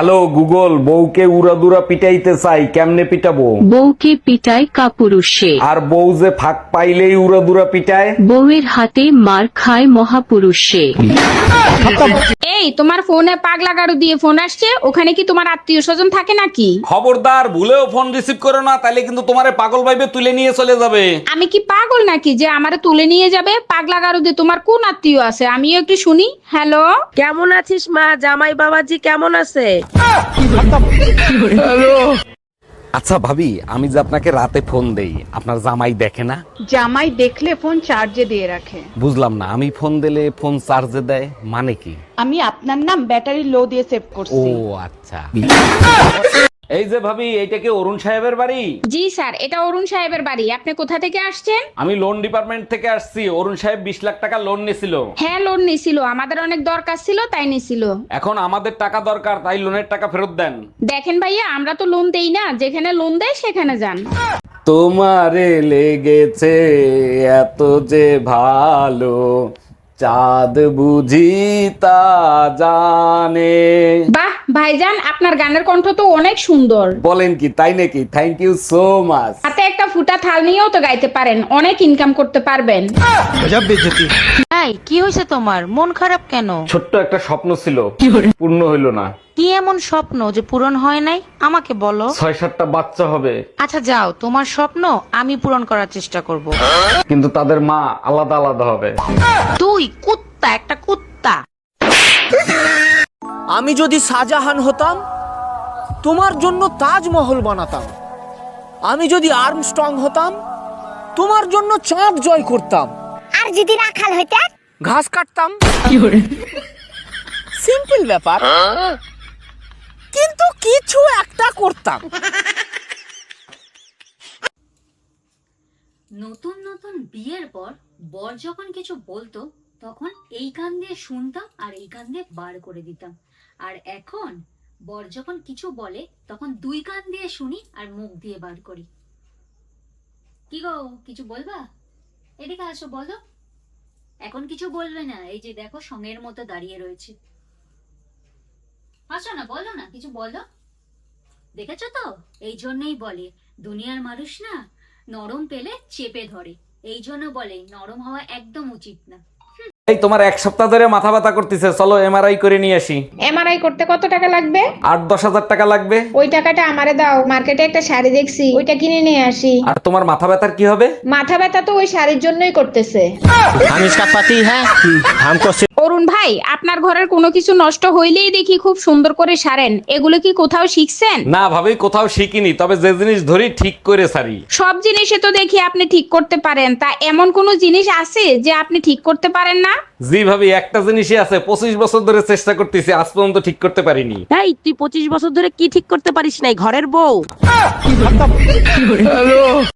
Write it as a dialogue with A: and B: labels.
A: Hello Google, বউকে উড়াদুরা পিটাইতে চাই, কেমনে পিটাবো?
B: বউকে পিটায় কাপুরুষে,
A: আর বউ যে ফাঁক পাইলেই উড়াদুরা পিটায়?
B: বউয়ের হাতে মার খায় মহাপুরুষে।
C: এই তোমার ফোনে পাগলা গাড়ু দিয়ে ফোন আসছে, ওখানে কি তোমার আত্মীয় স্বজন থাকে নাকি?
A: খবরদার, ভুলেও ফোন রিসিভ করো না, তাইলে কিন্তু তোমারে পাগল ভাইবে তুলে নিয়ে চলে যাবে।
C: আমি কি পাগল নাকি যে আমারে তুলে নিয়ে যাবে? পাগলা গাড়ু দিয়ে তোমার কোন আত্মীয় আছে আমিও একটু শুনি। হ্যালো,
D: কেমন আছিস মা? জামাই বাবাজি কেমন আছে?
A: আচ্ছা ভাবি, আমি যে আপনাকে রাতে ফোন দেই, আপনার জামাই দেখে না?
E: জামাই দেখলে ফোন চার্জে দিয়ে রাখে।
A: বুঝলাম না, আমি ফোন দিলে ফোন চার্জে দেয় মানে কি?
E: আমি আপনার নাম ব্যাটারি লো দিয়ে সেভ
A: ও
E: করছি।
A: আচ্ছা। এই যে ভাবি, এইটা কি অরুণ সাহেবের বাড়ি?
C: জি স্যার, এটা অরুণ সাহেবের বাড়ি। আপনি কোথা থেকে আসছেন?
A: আমি লোন ডিপার্টমেন্ট থেকে আসছি। অরুণ সাহেব 20 লাখ টাকা লোন নিছিল।
C: হ্যাঁ, লোন নিছিল, আমাদের অনেক দরকার ছিল তাই নিছিল।
A: এখন আমাদের টাকা দরকার, তাই লোনের টাকা ফেরত দেন।
C: দেখেন ভাইয়া, আমরা তো লোন দেই না, যেখানে লোন দেয় সেখানে যান।
A: তোমারে লেগেছে এত যে ভালো, চাঁদ বুঝি তা জানে।
C: বাহ ভাইজান, আপনার গানের কণ্ঠ তো অনেক সুন্দর।
A: বলেন কি, তাই নাকি? Thank you so much.
C: হাতে একটা ফুটা থাল নিয়েও তো গাইতে পারেন, অনেক ইনকাম করতে পারবেন।
F: এই কি হয়েছে তোমার? মন খারাপ কেন?
A: ছোট্ট একটা স্বপ্ন ছিল, পূর্ণ হইল না।
F: কি এমন স্বপ্ন যে পূরণ হয় নাই আমাকে বলো।
A: 6-7টা বাচ্চা হবে,
F: আচ্ছা যাও, তোমার স্বপ্ন আমি পূরণ করার চেষ্টা করব।
A: কিন্তু তাদের মা আলাদা আলাদা হবে।
F: তুই কুত্তা, একটা কুত্তা।
G: আমি যদি শাহজাহান হতাম, তোমার জন্য তাজমহল বানাতাম। আমি যদি আর্মস্ট্রং হতাম, তোমার জন্য চাঁদ জয় করতাম।
H: আর যদি রাখাল হইতে?
G: ঘাস কাটতাম। সিম্পল ব্যাপার, কিন্তু কিছু একটা করতাম।
I: নতুন নতুন বিয়ের পর বর যখন কিছু বলতো তখন এই কান দিয়ে শুনতাম আর এই কান দিয়ে বার করে দিতাম, আর এখন বর যখন কিছু বলে তখন দুই কান দিয়ে শুনি আর মুখ দিয়ে বার করি। কি গো, কিছু বলবা? এদিকে আসো, বলো। এখন কিছু বলবে না, এই যে দেখো সঙ্গের মতো দাঁড়িয়ে রয়েছে। আসো না, বলো না, কিছু বলো। দেখেছো তো, এই জন্যই বলে দুনিয়ার মানুষ না নরম পেলে চেপে ধরে, এই জন্য বলে নরম হওয়া একদম উচিত না।
A: এই তোমার 1 সপ্তাহ ধরে মাথা ব্যথা করতেছে, চলো এমআরআই করে নিয়ে আসি।
C: এমআরআই করতে কত টাকা লাগবে?
A: 8-10 হাজার টাকা লাগবে।
C: ওই টাকাটা আমারে দাও, মার্কেটে একটা শাড়ি দেখছি, ওইটা কিনে নিয়ে আসি।
A: আর তোমার মাথা ব্যথার কি হবে?
C: মাথা ব্যথা তো ওই শাড়ির জন্যই করতেছে।
G: हम इसका पति है, हमको
C: অরুণ ভাই, আপনার ঘরের কোনো কিছু নষ্ট হইলেই দেখি খুব সুন্দর করে সারেন, এগুলো কি কোথাও শিখছেন?
A: না ভাবি, কোথাও শিখিনি, তবে যে জিনিস ধরি ঠিক করে সারি।
C: সব জিনিসে তো দেখি আপনি ঠিক করতে পারেন, তা এমন কোনো জিনিস আছে যে আপনি ঠিক করতে পারেন না?
A: জি ভাবি, একটা জিনিসই আছে, 25 বছর ধরে চেষ্টা করতেছি, আজ পর্যন্ত ঠিক করতে পারিনি।
D: এই তুই 25 বছর ধরে কি ঠিক করতে পারিস নাই? ঘরের বউ।